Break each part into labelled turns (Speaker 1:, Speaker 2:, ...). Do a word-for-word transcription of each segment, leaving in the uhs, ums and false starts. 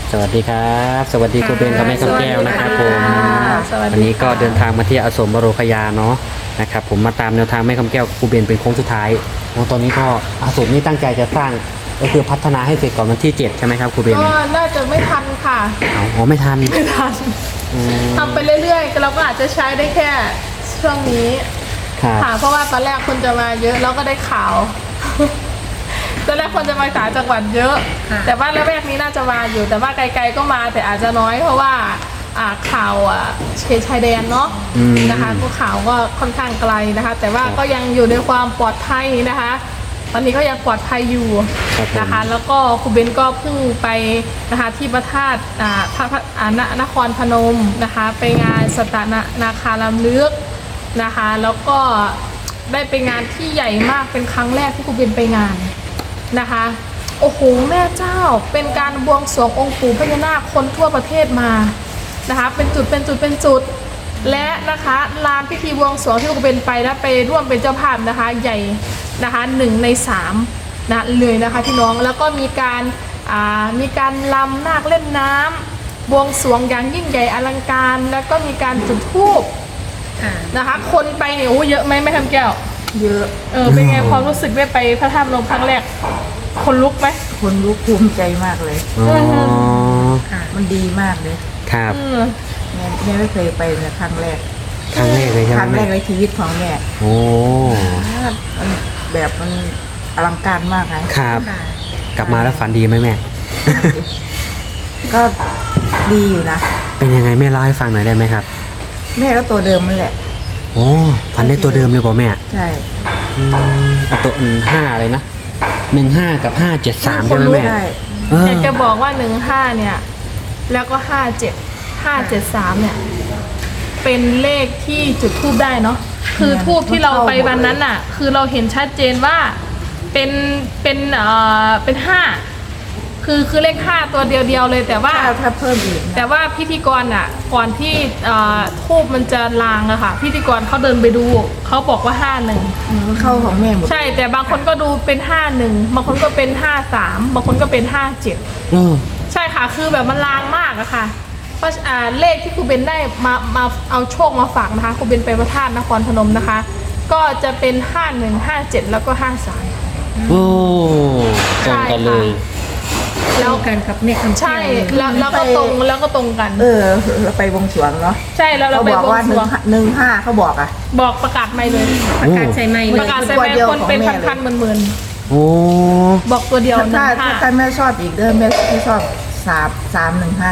Speaker 1: สวัสดีครับสวัสดีครูเบนกับแม่คำแก้วนะครับผมวันนี้ก็เดินทางมาที่อาสมบรคยาเนาะนะครับผมมาตามแนวทางแม่คำแก้วครูเบนเป็นโค้งสุดท้ายโอ้ตอนนี้ก็อาสมนี่ตั้งใจจะสร้างก็คือพัฒนาให้เสร็จก่อนวันที่เจ็ดใช่ไหมครับครูเบน
Speaker 2: ก็น่าจะไม่ทันค่ะ
Speaker 1: เอาอ๋อไม่ทัน
Speaker 2: ไม่ทันทำไปเรื่อยๆเราก็อาจจะใช้ได้แค่ช่วงนี้
Speaker 1: ครับ
Speaker 2: ค่ะเพราะว่าตอนแรกคนจะมาเยอะแล้วก็ได้ข่าว ตอนแรกคนจะมาจากจังหวัดเยอะ แต่ว่าแรกๆนี้น่าจะมาอยู่ แต่ว่าไกลๆก็มาแต่อาจจะน้อยเพราะว่าอ่าข่าวอ่ะเขตชายแดนเนาะนะคะก็ข่าวก็ค่อนข้างไกลนะคะ แต่ว่าก็ยังอยู่ในความปลอดภัยนะคะ ตอนนี้ก็ยังปลอดภัยอยู่นะคะ แล้วก็ครูเบนก็เพิ่งไปนะคะที่พระธาตุอ่าพระอ่านนครพนมนะคะ ไปงานสตนานาคาลำลึกนะคะ แล้วก็ได้ไปงานที่ใหญ่มากเป็นครั้งแรกที่ครูเบนไปงานนะคะโอ้โหแม่เจ้าเป็นการบวงสรวงองค์ปู่พญานาคคนทั่วประเทศมานะคะเป็นจุดเป็นจุดเป็นจุดและนะคะลานพิธีบวงสรวงที่ครูเบนไปแล้วไปร่วมเป็นเจ้าภาพนะคะใหญ่นะคะหนึ่งในสามนะเลยนะคะพี่น้องแล้วก็มีการอ่ามีการลำนาคเล่นน้ำบวงสรวงอย่างยิ่งใหญ่อลังการแล้วก็มีการจุดธูปนะคะคนไปเนี่ยโอ้เยอะไหมแม่คำแก้ว
Speaker 3: เยอะ
Speaker 2: เออเป็นไงความรู้สึกได้ไปพระธาตุพนมครั้งแรกคนลุกไหม
Speaker 3: คนลุกภูมิใจมากเลย
Speaker 1: อ๋อ
Speaker 3: มันดีมากเลย
Speaker 1: ครับ
Speaker 3: แม่แม่ไม่เคยไปเลยครั้งแรก
Speaker 1: ครั้งแรกเลยใช่ไหม
Speaker 3: ครั้งแรกในชีวิตของแม่
Speaker 1: โอ้
Speaker 3: มันแบบมันอลังการมากไง
Speaker 1: ครับกลับมาแล้วฝันดีไหมแม่
Speaker 3: ก็ดีอยู่นะ
Speaker 1: เป็นยังไงแม่เล่าให้ฟังหน่อยได้ไหมครับ
Speaker 3: แม่ก็ตัวเดิมนั่นแหละ
Speaker 1: โอ้ฝันได้ตัวเดิมเลยป่ะแม่
Speaker 3: ใช่
Speaker 1: ตัวห้าอะไรนะหนึ่งห้ากับห้าเจ็ดสามใช่ไหมแม่
Speaker 2: อยากจะบอกว่าหนึ่งห้าเนี่ยแล้วก็ห้าเจ็ดห้าเจ็ดสามเนี่ยเป็นเลขที่จุดธูปได้เนาะคือธูปที่เราไปวันนั้นน่ะคือเราเห็นชัดเจนว่าเป็นเป็นเอ่อเป็นห้าคือคือเลขห้าตัวเดียวๆเลยแต่ว่า
Speaker 3: ถ้าเพิ่มอีก
Speaker 2: แต่ว่าพิธีกรอ่ะก่อนที่ทูบมันจะลางอะค่ะพิธีกรเขาเดินไปดูเขาบอกว่าห้าหนึ่ง
Speaker 3: เข้าของแม่หมด
Speaker 2: ใช่แต่บางคนก็ดูเป็นห้าหนึ่งบางคนก็เป็นห้าสามบางคนก็เป็นห้าเจ็ดใช่ค่ะคือแบบมันลางมากอะค่ะเพราะเลขที่ครูเบนได้มามาเอาโชคมาฝากนะคะครูเบนไปพระธาตุนครพนมนะคะก็จะเป็นห้าหนึ่งห้าเจ็ดแล้วก็ห้าสาม
Speaker 1: โอ้ตรงกันเลย
Speaker 2: แล้วกันกับเนี่ยใช่แล้วแล้วก็ตรงแล้วก็ตรงกัน
Speaker 3: เออเราไปวงสรวงเนาะ
Speaker 2: ใช่แล้วเราไปวงสรวง
Speaker 3: หนึ่งห้าเขาบอกอ่ะ
Speaker 2: บอกประกาศไม่เลย
Speaker 4: ประกาศใส่ไม่
Speaker 2: ประกาศใส่ไม่คนเป็นพันๆหมื่น
Speaker 1: ๆโอ้
Speaker 2: บอกตัวเดียว
Speaker 3: ถ้าถ้าแม่ชอบอีกเด้อแม่ไม่ชอบสามสามหนึ่งห้า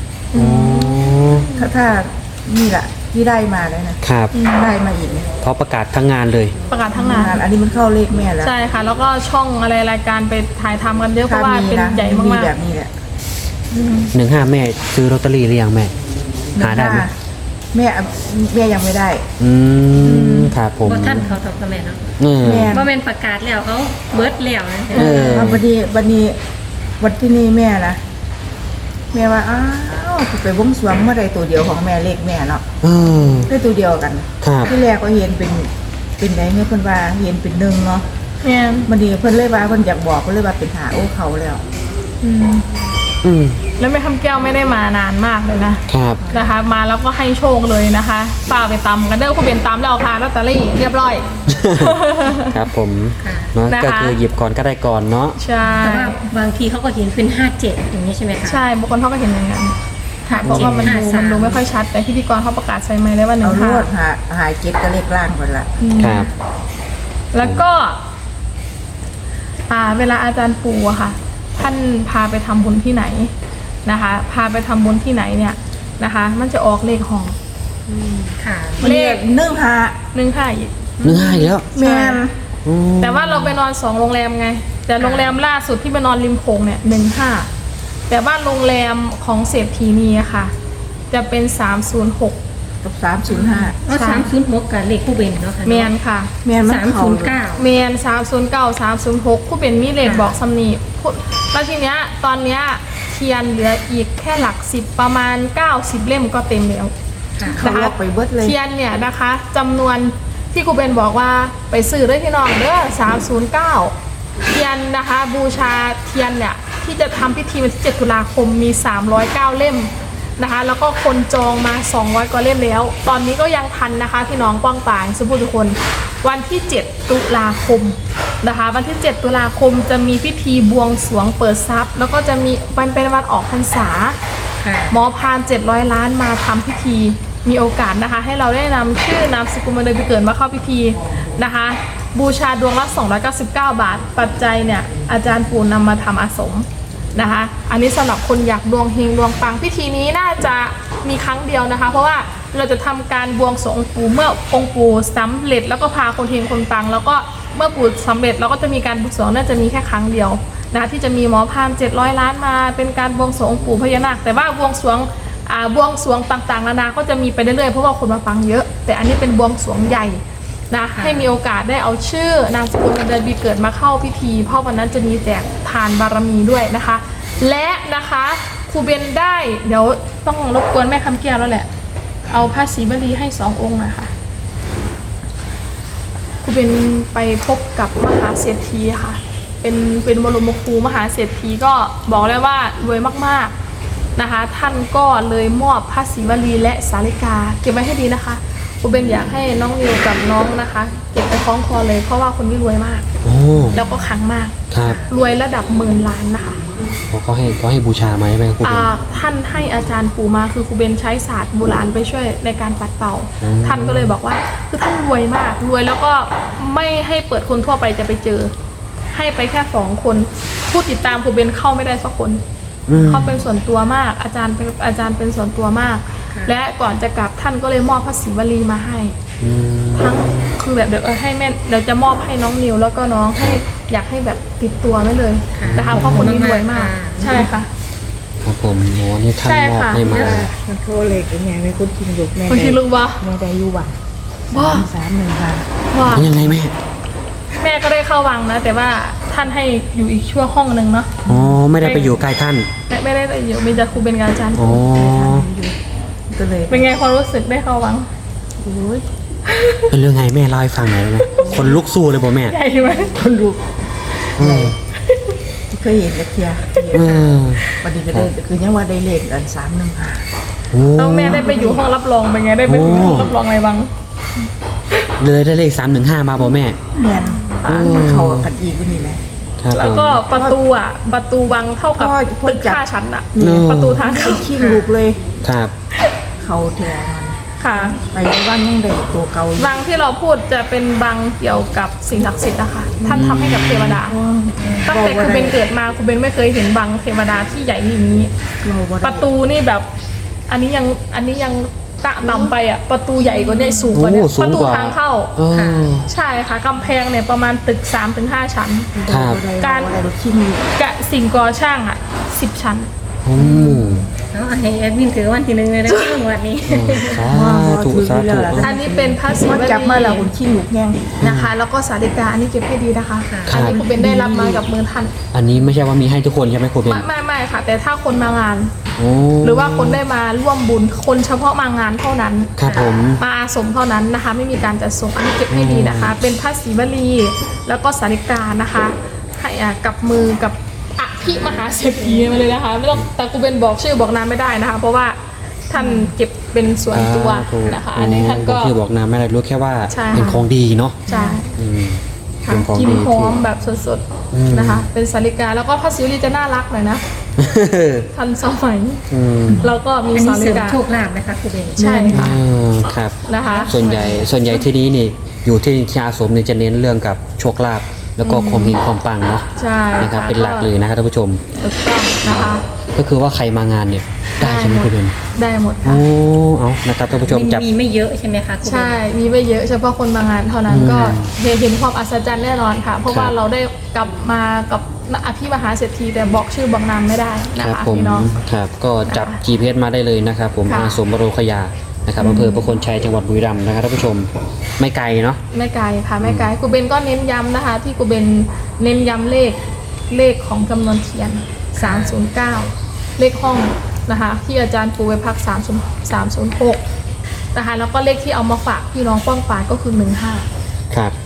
Speaker 3: ถ้าถ้านี่แหละที่ได้มาแล้วนะครับได้มาอีก
Speaker 1: เพราะประกาศทั้งงานเลย
Speaker 2: ประกาศทั้งงาน
Speaker 3: อันนี้มันเข้าเลขแม่แล้ว
Speaker 2: ใช่ค่ะแล้วก็ช่องอะไรรายการไปถ่ายทำกันเยอะเพราะว่าเป็นใหญ่มากๆ
Speaker 3: แบบนี้แหละ
Speaker 1: หนึ่งห้าแม่ซื้อลอตเตอรี่หรือยังแม่หาได้ไหม
Speaker 3: แม่แม่ยังไม่ได้
Speaker 1: อืมครับผม
Speaker 4: ท่านเขาทำทำไมเนาะ
Speaker 1: แม่
Speaker 4: ว่าเป็นประกาศแล้วเขาเบิร์ดแล้วนะ
Speaker 3: เออวันนี้วันนี้วันที่นี่แม่นะแม่ว่าอ้าวไปวงสรวงเมื่อไรตัวเดียวของแม่เลขแม่เนาะได้ตัวเดียวกันที่แรกก็เห็นเป็นเป็นไหนเนี่ยเพิ่นว่าเห็นเป็นหนึ่งเนาะ
Speaker 2: เนี่ย
Speaker 3: วันนี้เพิ่นเลยว่าเพิ่นอยากบอกเพิ่นเลยว่าเป็นหาโอ้เขาแล้ว
Speaker 2: อืมอืมแล้วแม่คำแก้วไม่ได้มานานมากเลยนะครับนะคะมาแล้วก็ให้โชคเลยนะคะป้าไปตำกันเด้อคุณเบนตำแล้วค่ะลอตเตอรี่เรียบร้อย
Speaker 1: ครับผมเนาะก็คือหยิบก่อนก็ได้ก่อนเนาะ
Speaker 2: ใช่
Speaker 4: แต่ว่าบางทีเขาก็เห็นเป็นห้าเจ็ดอย่างนี้ใช่ไหมคะ
Speaker 2: ใช่บางคนเขาก็เห็นอย่างนั้นค่ะเพราะว่ามันดูมันดูไม่ค่อยชัดแต่พิธีกรเขาประกาศใส่ไมค์ได้ว่าหนึ่งห้า
Speaker 3: หาหาเจ็ดก็เลขล่างหมดละ
Speaker 1: ครับ
Speaker 2: แล้วก็อ่าเวลาอาจารย์ปูอะค่ะท่านพาไปทำบุญที่ไหนนะคะพาไปทำบุญที่ไหนเนี่ยนะคะมันจะออกเลขห้อง
Speaker 4: ค่ะ
Speaker 3: เลขหนึ่งห้า
Speaker 2: หนึ่งห้าอีก
Speaker 1: หนึ่งห้าอีกแล้ว
Speaker 3: แม่
Speaker 2: แต่ว่าเราไปนอนสองโรงแรมไงแต่โรงแรมล่าสุดที่ไปนอนริมโขงเนี่ยหนึ่งห้าแต่ว่าโรงแรมของเศรษฐีนีอะค่ะจะเป็นสามศูนย์หก
Speaker 3: กับสามศูนย์ห้า
Speaker 4: อ๋อสามศูนย์หกกับเลขคู่เบนเนาะค่ะ
Speaker 2: เมียนค่ะ
Speaker 3: เมียน
Speaker 4: สามศูนย์เก้า
Speaker 2: เมียนสามศูนย์เก้าสามศูนย์หกคู่เบนมีเลขบอกสำนีแล้วทีเนี้ยตอนเนี้ยเทียนเหลืออีกแค่หลักสิบประมาณเก้าสิบเล่มก็เต็มแล้ว
Speaker 3: นะคะไปเบิดเลย
Speaker 2: เทียนเนี่ยนะคะจำนวนที่ครูเบนบอกว่าไปซื้อด้วยที่น้องเด้อสามศูนย์เก้าเทียนนะคะบูชาเทียนเนี่ยที่ที่จะทำพิธีวันที่เจ็ดตุลาคมมีสามร้อยเก้าเล่มนะคะแล้วก็คนจองมาสองร้อยกว่าเล่มแล้วตอนนี้ก็ยังทันนะคะพี่น้องป้องป่ายสุภุทุกคนวันที่เจ็ดตุลาคมนะคะวันที่เจ็ดตุลาคมจะมีพิธีบวงสรวงเปิดทรัพย์แล้วก็จะมีวันเป็นวันออกพรรษา
Speaker 4: ค่ะ
Speaker 2: หมอพานเจ็ดร้อยล้านมาทำพิธีมีโอกาสนะคะให้เราได้นำชื่อนามสกุลมาเดินไปเกิดมาเข้าพิธีนะคะบูชาดวงละสองร้อยเก้าสิบเก้าบาทปัจจัยเนี่ยอาจารย์ปู่นำมาทำอาสมนะคะอันนี้สำหรับคนอยากดวงเฮงดวงปังพิธีนี้น่าจะมีครั้งเดียวนะคะเพราะว่าเราจะทำการบวงสรวงองค์ปู่เมื่อองค์ปู่สำเร็จแล้วก็พาคนเฮงคนปังแล้วก็เมื่อปู่สำเร็จเราก็จะมีการบวงสรวงน่าจะมีแค่ครั้งเดียวนะคะที่จะมีหมอพานเจ็ดร้อยล้านมาเป็นการบวงสรวงองค์ปู่พญานาคแต่ว่าบวงสรวงอ่าบวงสรวงต่างๆนานาก็จะมีไปเรื่อยๆเพราะว่าคนมาฟังเยอะแต่อันนี้เป็นบวงสรวงใหญ่นะให้มีโอกาสได้เอาชื่อนามสกุลวันเดือนปีเกิดมาเข้าพิธีเพราะวันนั้นจะมีแจกทานบารมีด้วยนะคะและนะคะครูเบนได้เดี๋ยวต้องรบกวนแม่คำแก้วแล้วแหละเอาพระศรีวลีให้สององค์นะคะครูเบนไปพบกับมหาเศรษฐีค่ะเป็นเป็นบรมครูมหาเศรษฐีก็บอกเลยว่ารวยมากๆนะคะท่านก็เลยมอบพระศรีวลีและสาริกาเก็บไว้ให้ดีนะคะครูเบนอยากให้น้องนิวกับน้องนะคะเก็บไปคล้องคอเลยเพราะว่าคนนี้รวยมาก
Speaker 1: โอ้
Speaker 2: แล้วก็ขลังมาก
Speaker 1: ครับ
Speaker 2: รวยระดับหมื่นล้านนะคะ
Speaker 1: เขาให้เขาให้บูชาไหมแม่ครูเบ
Speaker 2: อ่าน ท่านให้อาจารย์ปู่มาคือครูเบนใช้ศาสตร์โบราณไปช่วยในการปัดเป่า
Speaker 1: อืม
Speaker 2: ท่านก็เลยบอกว่าคือท่านรวยมากรวยแล้วก็ไม่ให้เปิดคนทั่วไปจะไปเจอ ให้ไปแค่สองคนผู้ติดตามครูเบนเข้าไม่ได้สักคน
Speaker 1: อืม
Speaker 2: เขาเป็นส่วนตัวมากอาจารย์เป็นอาจารย์เป็นส่วนตัวมาก
Speaker 4: ค่ะ
Speaker 2: และก่อนจะกลับท่านก็เลยมอบพระศรีวลีมาให้
Speaker 1: อืม
Speaker 2: ทั้งคือแบบเดี๋ยวเออให้แม่เดี๋ยวจะมอบให้น้องนิวแล้วก็น้องให้อยากให้แบบติดตัวไว้เลยนะคะเพราะคนนี้รวยมากใช่ค่ะ
Speaker 1: ครับผมโอ้นี่ท่าน
Speaker 2: ใช่
Speaker 1: มอบ
Speaker 2: ค่ะ
Speaker 1: ให้มา
Speaker 3: มันโทรเล็กยังไงไม่คุ้นกินลูกแม่
Speaker 2: คนที่รู้ว่า
Speaker 3: แม่ได้อยู่วัง
Speaker 2: ว่า
Speaker 3: สามหนึ่งค่ะ
Speaker 2: ว่า
Speaker 1: เป็นยังไงแม่
Speaker 2: แม่ก็ได้เข้าวังนะ แต่ว่าท่านให้อยู่อีกชั่วห้องหนึ่งเนาะ
Speaker 1: อ๋อไม่ได้ไปอยู่ใกล้ท่าน
Speaker 2: ไม่ไม่ได้อยู่มีแต่ครูเป็นอาจารย์
Speaker 1: อ๋อ
Speaker 3: ก็เลย
Speaker 2: เป็นไงความรู้สึกได้เข้าวัง
Speaker 3: โอ้ย
Speaker 1: เป็นเรื่องไงแม่เล่าให้ฟังหน่อยได้ไหมคนลุกสู้เลยบ่แม่
Speaker 2: ใหญ่ไหม
Speaker 3: คนลูก
Speaker 1: อืม
Speaker 3: เคยเห็นกระเทีย
Speaker 1: เออ
Speaker 3: วันนี้ก็ได้คือยังว่าได้เลขอันสามหนึ่งค่ะ
Speaker 1: โอ้
Speaker 2: แล้วแม่ได้ไปอยู่ห้องรับรองเป็นไงได้ไปอยู่ห้องรับรองอะไรวัง
Speaker 1: เลยได้เลขสามหนึ่งห้ามาบ่แม่
Speaker 3: แม่นอ่านมันเข้ากันอีกก็นี่แหละ
Speaker 1: ครับ
Speaker 2: แล้ว
Speaker 1: ผม
Speaker 2: ก็ประตูอ่ะประตูวังเท่ากับ
Speaker 3: พ่อพ่อ
Speaker 2: ตึก
Speaker 3: จับ
Speaker 2: ห้าชั้นอ่ะ
Speaker 1: เนอะ
Speaker 2: ประตูทางเข้า
Speaker 3: ขี้ลูกเลย
Speaker 1: ครับ
Speaker 3: เขาแทน
Speaker 2: ค่ะ
Speaker 3: ไปว่างยังได้ตัวเก่าอยู่
Speaker 2: วังที่เราพูดจะเป็นวังเกี่ยวกับสิ่งศักดิ์สิทธิ์นะคะท่านทำให้กับเทวดาตั้งแต่ครูเบนเกิดมาครูเบนไม่เคยเห็นวังเทวดาที่ใหญ่อย่างนี้
Speaker 3: เราบ่
Speaker 2: ป
Speaker 3: ได้
Speaker 2: ระตูนี่แบบ อันนี้ยังอันนี้ยังตะนำไปอ่ะประตูใหญ่กว่าเนี่ยสูงกว่าเนี่ย
Speaker 1: โอ้สู
Speaker 2: ป
Speaker 1: ง
Speaker 2: ระตู
Speaker 1: กว่า
Speaker 2: ทางเข้า
Speaker 1: เออ
Speaker 2: ใช่ค่ะกำแพงเนี่ยประมาณตึก สามถึงห้า ชั้น
Speaker 1: ครับ
Speaker 3: การ
Speaker 2: การ
Speaker 3: รถขี้ลูก
Speaker 2: กะสิ่งก่อช่างอ่ะสิบชั้น
Speaker 1: อืม
Speaker 4: เอาให้แอดมินถือวันที่หนึ่งเลยนะเรื่องวันนี้
Speaker 1: สาธุสาธุ
Speaker 2: อันนี้เป็นพระศิว
Speaker 3: มัน
Speaker 2: ลี
Speaker 3: จับมาแล้วคนขี้ลูกแง่ง
Speaker 2: นะคะ แล้วก็สาริกาอันนี้เก็บให้ดีนะคะ
Speaker 1: ครั
Speaker 2: อั
Speaker 1: บ
Speaker 2: นนี้ครูเบนได้รับมากับมือท่าน
Speaker 1: อันนี้ไม่ใช่ว่ามีให้ทุกคนใช่ไหมครูเบน
Speaker 2: ไม่ไม่ไม่ค่ะ แต่ถ้าคนมางาน
Speaker 1: โอ้
Speaker 2: หรือว่าคนได้มาร่วมบุญคนเฉพาะมางานเท่านั้น
Speaker 1: ครับผม
Speaker 2: มาอาสมเท่านั้นนะคะ ไม่มีการจัดส่งอันนี้เก็บให้ดีนะคะ เป็นพระศรีวลีแล้วก็สาริกานะคะให้อ่ะกับมือกับอภิมหาเศรษฐีมาเลยนะคะไม่ต้องแต่กูเป็นบอกชื่อบอกนามไม่ได้นะคะ เพราะว่าท่านเก็บเป็นส่วนตัว
Speaker 1: สาธุ
Speaker 2: นะคะ อันนี้ท่านก็
Speaker 1: บอกชื่อบอกนามไม่ได้รู้แค่ว่า
Speaker 2: ใช่
Speaker 1: เป็นของดีเนาะ
Speaker 2: ใช่
Speaker 1: อืม
Speaker 2: ค่ะ
Speaker 1: เป็นของ
Speaker 2: กิน
Speaker 1: ดี
Speaker 2: หอ
Speaker 1: ที่
Speaker 2: มแบบสด
Speaker 1: อืม
Speaker 2: ๆนะคะ เป็นสาริกาแล้วก็พระศรีวลีจะน่ารักหน่อยนะทันสมัย
Speaker 1: อืม
Speaker 2: แล้วก็มี
Speaker 4: อัน
Speaker 2: สา
Speaker 4: นี้
Speaker 2: ริ
Speaker 4: เสริม
Speaker 2: กา
Speaker 4: โชคลาภนะคะครูเบน
Speaker 2: ใช่ค่ะ
Speaker 1: อ่าครับ
Speaker 2: นะคะ
Speaker 1: ส่วนใหญ่ส่วนใหญ่ที่นี้นี่อยู่ที่ที่อาสมเนี่ยจะเน้นเรื่องกับโชคลาภแล้วก็ความเฮงความปังเนาะ
Speaker 2: ใช่
Speaker 1: นะครับเป็นหลักเลยนะครับท่านผู้ชม
Speaker 2: ถูกต้องนะคะ
Speaker 1: ก็คือว่าใครมางานเนี่ยได้ใช่ไหมครูเบน
Speaker 2: ได้หมดค่ะ
Speaker 1: โอ้เอานะครับท่านผู้ชมจับ
Speaker 4: มีไม่เยอะใช่ไหมคะครูเบน
Speaker 2: ใช่ มีไม่เยอะเฉพาะคนมางานเท่านั้น
Speaker 1: อืม
Speaker 2: ก็เห็นเห็นความอัศจรรย์แน่นอนค่ะ เพราะว่า
Speaker 1: ครับ
Speaker 2: เราได้กลับมากับอภิมหาเศรษฐีแต่บอกชื่อบอกนามไม่ได้นะครับ คะ
Speaker 1: ผม
Speaker 2: พี่น้อง
Speaker 1: ครับก็จับ
Speaker 2: นะคะ
Speaker 1: จี พี เอส มาได้เลยนะครับผม
Speaker 2: ค่ะ
Speaker 1: อาสมบโรคยานะครับอำเภอประโคนชัยจังหวัดบุรีรัมย์นะครับท่านผู้ชมไม่ไกลเนาะ
Speaker 2: ไม่ไกลค่ะไม่ไกลครูเบนก็เน้นย้ำนะคะ ที่ครูเบนเน้นย้ำเลขเลขของจำนวนเทียนสามศูนย์เก้าเลขห้องนะคะ ที่อาจารย์ปูไปพักสามศูนย์ สามศูนย์หกนะคะแล้วก็เลขที่เอามาฝากพี่น้องป้องปรายก็คือหนึ่งห้า
Speaker 1: ครับ
Speaker 2: ใช่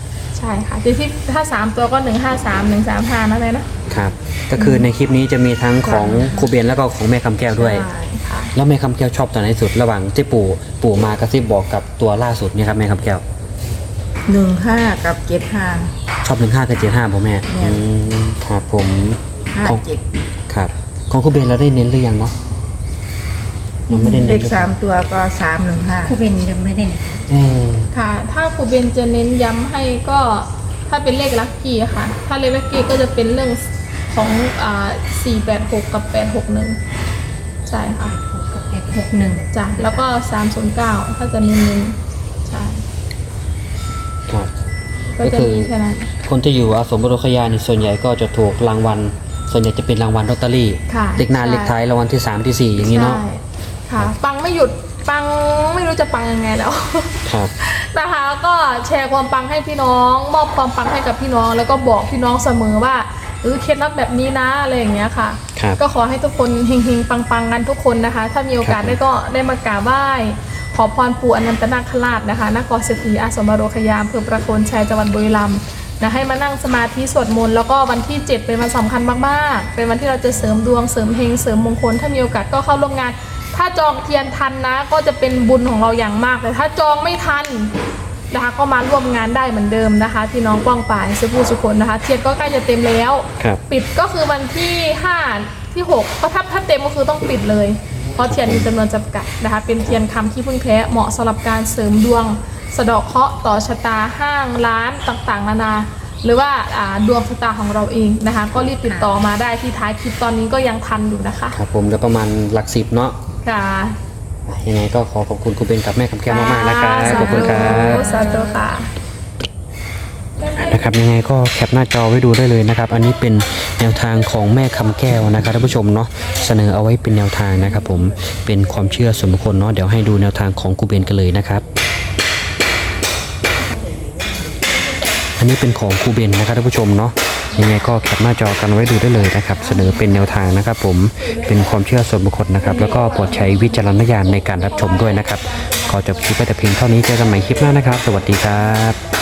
Speaker 2: ช่ค่ะที่ที่ถ้าสามตัวก็หนึ่งห้าสามหนึ่งสามห้านั่นเลยนะครับ
Speaker 1: ก็คือในคลิปนี้จะมีทั้งของครูเบนแล้วก็ของแม่คำแก้วด้วย
Speaker 2: ใช่ค่ะ
Speaker 1: แล้วแม่คำแก้วชอบตัวไหนสุดระหว่างที่ปู่ปู่มากระซิบบอกกับตัวล่าสุดเนี่ยครับแม่คำแก้ว
Speaker 3: หนึ่งห้ากับเจ็ดห้า
Speaker 1: ชอบหนึ่งห้ากับเจ็ดห้าผมแม่
Speaker 3: เนี่ย
Speaker 1: อืมครับผม
Speaker 3: ห้า
Speaker 1: ของ
Speaker 3: เจ็ด
Speaker 1: ครับของครูเบนเราได้เน้นหรือยังเนาะยังไม่ได้
Speaker 3: เล
Speaker 1: เน้น
Speaker 3: ขสามตัวก็สามหนึ่งห้า
Speaker 4: ครูเบนยังไม่ได้
Speaker 1: เออ
Speaker 2: ค่ะ ถ้าครูเบนจะเน้นย้ำให้ก็ถ้าเป็นเลขลัคกี้ค่ะ ถ้าเลขลัคกี้ก็จะเป็นเรื่องของอ่าสี่แปดหกกับแปดหกหนึ่งใช่ค่ะ
Speaker 4: หกกับแปดหกหนึ่ง
Speaker 2: จ้ะแล้วก็สามศูนย์เก้าถ้าจะเน้นๆใช่
Speaker 1: ครับ
Speaker 2: ก็จะมีแค่นั้น
Speaker 1: คนที่อยู่อาสมบรคยานี่ส่วนใหญ่ก็จะถูกรางวัลส่วนใหญ่จะเป็นรางวัลลอตเตอรี่
Speaker 2: ค่ะ
Speaker 1: เลขหน้า
Speaker 2: ใช่
Speaker 1: เลขท้ายรางวัลที่สามที่สี่อย่างนี้เนาะ
Speaker 2: ใช่ค่ะ ปังไม่หยุดปังไม่รู้จะปังยังไงแล้ว
Speaker 1: ครับ
Speaker 2: นะคะก็แชร์ความปังให้พี่น้อง มอบความปังให้กับพี่น้อง แล้วก็บอกพี่น้องเสมอว่าเออเคล็ดลับแบบนี้นะอะไรอย่างเงี้ยค่ะ
Speaker 1: ครับ
Speaker 2: ก็ขอให้ทุกคนเฮงๆปังๆกันทุกคนนะคะ ถ้ามีโอกาส
Speaker 1: ครับ
Speaker 2: ได้ก็ได้มากราบไหว้ขอพรปู่อนันตนาคราชนะคะนครศรีอาสมบรคยามอำเภอประโคนชัยจังหวัดบุรีรัมย์นะให้มานั่งสมาธิสวดมนต์แล้วก็วันที่เจ็ดเป็นวันสำคัญมากๆเป็นวันที่เราจะเสริมดวงเสริมเฮงเสริมมงคลถ้ามีโอกาสก็เข้าร่วมงาน ถ้าจองเทียนทันนะก็จะเป็นบุญของเราอย่างมากแต่ถ้าจองไม่ทันนะคะก็มาร่วมงานได้เหมือนเดิมนะคะพี่น้องกว้างป่ายสุภูสุคนนะคะเทียนก็ใกล้จะเต็มแล้ว
Speaker 1: ครับ
Speaker 2: ปิดก็คือวันที่ห้าที่หกก็ถ้าถ้าเต็มก็คือต้องปิดเลยเพราะเทียนมีจำนวนจำกัดนะคะเป็นเทียนคำที่พึ่งแท้เหมาะสำหรับการเสริมดวงสะเดาะเคราะห์ต่อชะตาห้างร้านต่างๆนานาหรือว่าอ่าดวงชะตาของเราเองนะคะก็รีบติดต่อมาได้ที่ท้ายคลิปตอนนี้ก็ยังทันอยู่นะคะ
Speaker 1: ครับผมแล้วประมาณหลักสิบเนาะ
Speaker 2: ค่ะ
Speaker 1: ยังไงก็ขอขอบคุณครูเบนกับแม่คำแก้วมากๆนะครับขอบคุณครับ
Speaker 2: สาธุค่ะ
Speaker 1: นะครับยังไงก็แคปหน้าจอไว้ดูได้เลยนะครับ อันนี้เป็นแนวทางของแม่คำแก้วนะครับท่านผู้ชมเนาะเสนอเอาไว้เป็นแนวทางนะครับผมเป็นความเชื่อส่วนบุคคลเนาะเดี๋ยวให้ดูแนวทางของครูเบนกันเลยนะครับ อันนี้เป็นของครูเบนนะครับท่านผู้ชมเนาะยังไงก็แคปหน้าจอกันไว้ดูได้เลยนะครับเสนอเป็นแนวทางนะครับผมเป็นความเชื่อส่วนบุคคลนะครับแล้วก็โปรดใช้วิจารณญาณในการรับชมด้วยนะครับขอจบคลิปไว้แต่เพียงเท่านี้เจอกันใหม่คลิปหน้านะครับ สวัสดีครับ